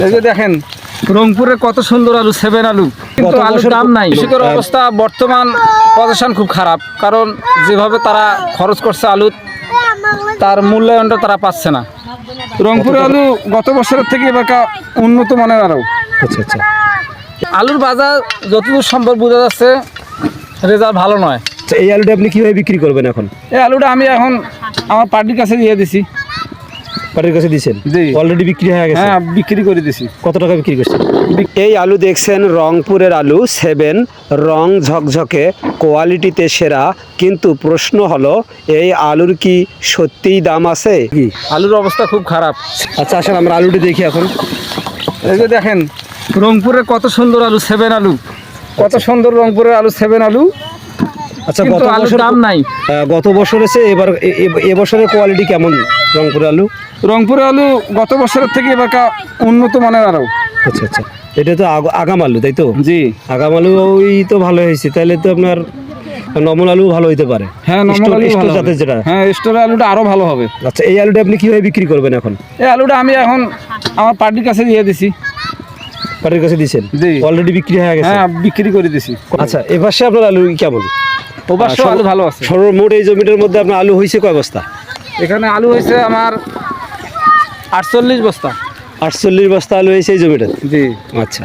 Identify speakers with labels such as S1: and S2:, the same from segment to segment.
S1: এই যে দেখেন রংপুরে কত সুন্দর আলু, 7 আলু, কিন্তু আলুর দাম নাই। কৃষকের অবস্থা বর্তমান পজিশন খুব খারাপ, কারণ যেভাবে তারা খরচ করছে আলু, তার মূল্যায়নটা তারা পাচ্ছে না। রংপুরে আলু গত বছরের থেকে এবার উন্নত মানের আলু।
S2: আচ্ছা আচ্ছা।
S1: আলুর বাজার যতদূর সম্ভব বোঝা যাচ্ছে রেজাল্ট ভালো নয়।
S2: এই আলুটা আপনি কিভাবে বিক্রি করবেন এখন?
S1: এই আলুটা আমি এখন আমার পার্টির কাছে দিয়ে দিছি।
S2: পার্টির কাছে দিয়েছেন?
S1: জি,
S2: অলরেডি বিক্রি হয়ে গেছে।
S1: হ্যাঁ, বিক্রি করে দিছি।
S2: কত টাকা বিক্রি করছেন? এই আলু দেখছেন রংপুরের আলু 7, রং ঝকঝকে, কোয়ালিটিতে সেরা। কিন্তু প্রশ্ন হলো, এই আলুর কি সত্যিই দাম আছে? কি
S1: আলুর অবস্থা খুব খারাপ।
S2: আচ্ছা আসেন আমরা আলুটি দেখি এখন।
S1: এই যে দেখেন রংপুরে কত সুন্দর আলু, 7 আলু, কত সুন্দর রংপুরের আলু, 7 আলু।
S2: আচ্ছা,
S1: কিন্তু
S2: গত
S1: আলুর
S2: বছর
S1: দাম নাই।
S2: গত বছর এসে এবছরের কোয়ালিটি কেমন রংপুরের আলু?
S1: রংপুরের আলু গত বছরের থেকে এবার উন্নত মানের আলু।
S2: আচ্ছা আচ্ছা। এটা তো আগাম আলু, তাই তো?
S1: জি,
S2: আগাম আলু ওই তো ভালো হয়েছে। তাহলে তো আপনার নমল আলু ভালো হইতে পারে।
S1: হ্যাঁ, নরমাল আলু
S2: স্টোর
S1: ভালো
S2: জাতের
S1: হবে।
S2: যেটা।
S1: হ্যাঁ, স্টোরের আলুটা আরো ভালো হবে।
S2: আচ্ছা, এই আলুটা আপনি কিভাবে বিক্রি করবেন এখন?
S1: এই আলুটা আমি এখন আমার পার্টির কাছে দিয়ে দিছি।
S2: পার্টির কাছে দিয়েছেন?
S1: জি,
S2: অলরেডি বিক্রি হয়ে গেছে।
S1: হ্যাঁ, বিক্রি করে দিছি।
S2: আচ্ছা, এপাশে আপনার আলু কেমন?
S1: অবশ্য আলু ভালো আছে।
S2: সর্বমোট এই জমিটার মধ্যে আপনার আলু হয়েছে কয় বস্তা?
S1: এখানে আলু হয়েছে আমার 48 বস্তা।
S2: 48 বস্তা আলু হয়েছে এই জমিটা?
S1: জি,
S2: আচ্ছা,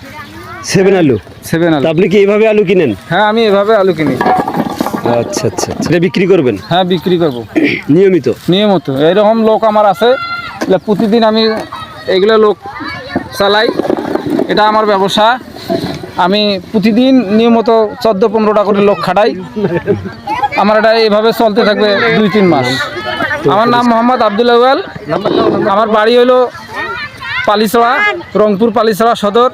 S2: 7 আলু।
S1: 7 আলু।
S2: তা আপনি কি এইভাবে আলু কিনেন?
S1: হ্যাঁ, আমি এভাবে আলু কিনি।
S2: আচ্ছা আচ্ছা আচ্ছা। এটা বিক্রি করবেন?
S1: হ্যাঁ, বিক্রি করবো
S2: নিয়মিত?
S1: নিয়মিত। এরকম লোক আমার আছে, প্রতিদিন আমি এগুলো লোক চালাই। এটা আমার ব্যবসা। আমি প্রতিদিন নিয়মিত 14-15টা করে লোক খাটাই। আমার এটা এইভাবে চলতে থাকবে 2-3 মাস। আমার নাম মোহাম্মদ আব্দুল আউয়াল। আমার বাড়ি হলো পালিছড়া, রংপুর পালিছড়া সদর।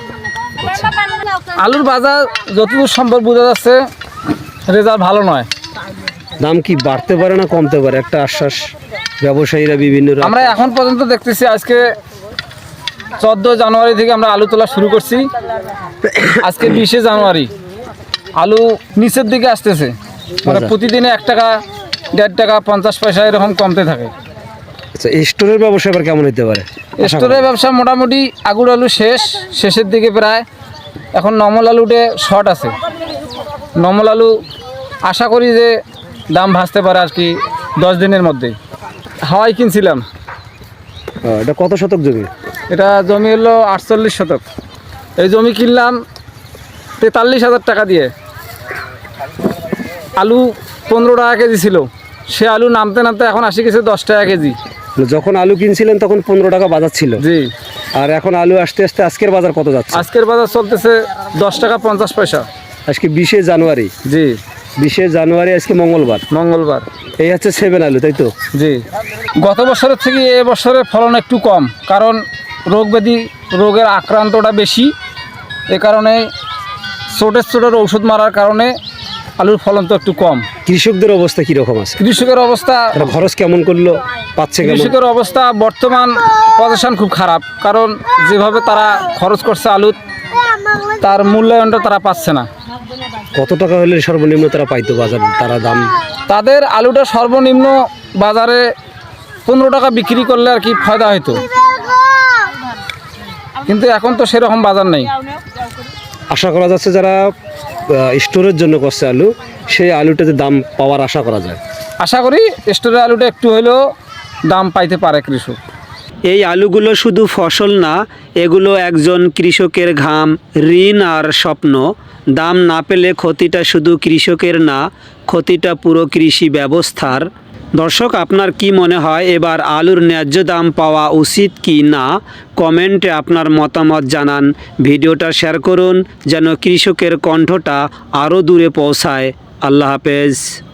S1: আলুর বাজার যতদূর সম্ভব বোঝা যাচ্ছে রেজাল্ট ভালো নয়।
S2: দাম কি বাড়তে পারে না কমতে পারে? একটা আশ্বাস ব্যবসায়ীরা বিভিন্ন
S1: আমরা এখন পর্যন্ত দেখতেছি, আজকে 14 জানুয়ারি থেকে আমরা আলু তোলা শুরু করছি। আজকে 20 জানুয়ারি, আলু নিচের দিকে আসতেছে। মানে প্রতিদিনে 1 টাকা, 1.5 টাকা, 50 পয়সা এরকম কমতে থাকে।
S2: আচ্ছা, স্টোরের ব্যবসা এবার কেমন হতে পারে?
S1: স্টোরের ব্যবসা মোটামুটি আগুর আলু শেষের দিকে প্রায়। এখন নমল আলুতে শর্ট আছে। নমল আলু আশা করি যে দাম ভাসতে পারে আর কি 10 দিনের মধ্যে। হাওয়াই কিনছিলাম।
S2: এটা কত শতক জমি?
S1: এটা জমি হলো 48 শতক। এই জমি কিনলাম 43,000 টাকা দিয়ে। আলু 15 টাকা কেজি ছিল। সে আলু নামতে নামতে এখন আসি গেছে 10 টাকা কেজি।
S2: যখন আলু কিনছিলেন তখন 15 টাকা বাজার ছিল?
S1: জি।
S2: আর এখন আলু আসতে আসতে আজকের বাজার কত যাচ্ছে?
S1: আজকের বাজার চলতেছে 10 টাকা 50 পয়সা।
S2: আজকে 20 জানুয়ারি।
S1: জি,
S2: 20 জানুয়ারি, আজকে মঙ্গলবার। এই হচ্ছে 7 আলু, তাই তো?
S1: জি। গত বছরের থেকে এ বছরের ফলন একটু কম, কারণ রোগের আক্রান্তটা বেশি। এ কারণে ছোটের ঔষধ মারার কারণে আলুর ফলন তো একটু কম।
S2: কৃষকদের অবস্থা কিরকম আছে?
S1: কৃষকের অবস্থা,
S2: খরচ কেমন করলো, পাচ্ছে কেমন?
S1: কৃষকের অবস্থা বর্তমান পজিশন খুব খারাপ, কারণ যেভাবে তারা খরচ করছে আলু, তার মূল্যায়নটা তারা পাচ্ছে না।
S2: কত টাকা হলে সর্বনিম্ন তারা পাইতো বাজার, তারা দাম?
S1: তাদের আলুটা সর্বনিম্ন বাজারে 15 টাকা বিক্রি করলে আর কি ফায়দা হইতো, কিন্তু এখন তো সেরকম বাজার নেই।
S2: আশা করা যাচ্ছে যারা স্টোরের জন্য করছে আলু, সেই আলুটাতে দাম পাওয়ার আশা করা যায়।
S1: আশা করি স্টোরের আলুটা একটু হলেও দাম পাইতে পারে কৃষক।
S2: এই আলুগুলো শুধু ফসল না, এগুলো একজন কৃষকের ঘাম, ঋণ আর স্বপ্ন। দাম না পেলে ক্ষতিটা শুধু কৃষকের না, ক্ষতিটা পুরো কৃষি ব্যবস্থার। দর্শক, আপনার কি মনে হয় এবার আলুর ন্যায্য দাম পাওয়া উচিত কি না? কমেন্টে আপনার মতামত জানান। ভিডিওটা শেয়ার করুন যেন কৃষকের কণ্ঠটা আরও দূরে পৌঁছায়। আল্লাহ হাফেজ।